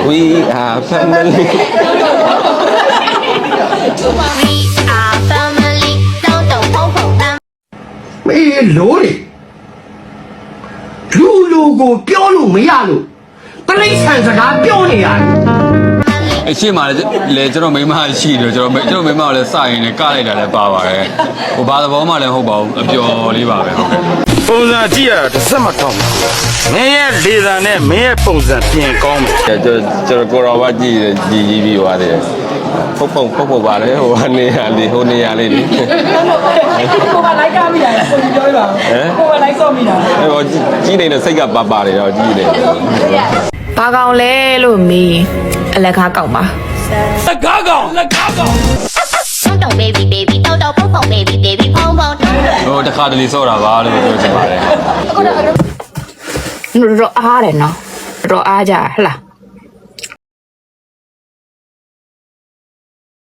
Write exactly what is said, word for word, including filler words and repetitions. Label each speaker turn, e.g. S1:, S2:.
S1: We are family
S2: We are family တောင်းတောင်းဖုံဖုံတမ်း
S3: မေးလို့လေလူလူကိုပြောလို့မရလို့တလိမ့်ဆန်စကားပြောနေရတယ်
S4: အရှိမှလည်းကျွန်တော်မိမရှိတယ်ကျွန်တော်ကျွန်တော်မိမကလည်းစရင်လည်းကလိုက်တာလည်းပါပါတယ်ဟိုဘာသဘောမှလည်းဟုတ်ပါဘူးအပျော်လေးပါပဲဟုတ်ကဲ့
S5: ပုံစံကြည့်ရတာတစ်စက်မထောက်မင်းရဲ့လေသာနဲ့မင်းရဲ့ပုံစံပြင်ကောင်းမယ်
S1: ကျွန်တော်ကျွန်တော်ကိုရောဘာကြည့်ကြည့်ကြည့်ပြီးသွားတယ်ဖုတ်ဖုတ်ဖုတ်ဖုတ်ပါလေဟိုနေရာလေးဟိုနေရာလေးလေကို
S6: ကလိုက်ကားမိတာကိုပြောပြပါဦးကိုကလိုက်ဆော့မိတာ
S1: ဟိုကြီးနေတဲ့စိတ်ကပါပါတယ်တော့ကြီးတယ်
S7: ဘာကောင်လဲလို့မေးအလက်ကားကောက်ပါ
S5: လက်ကားကောင်လက်ကားကောင်
S2: တောင်းတောင်း baby baby တောင်းတောင်းဖုံဖုံ baby baby ဖုံဖုံ
S4: ဟိုတစ်ခါတလေစော့တာပါလို့ပြောချင်ပါတယ်
S7: တော့အားတယ်နော်တော့အားကြဟလား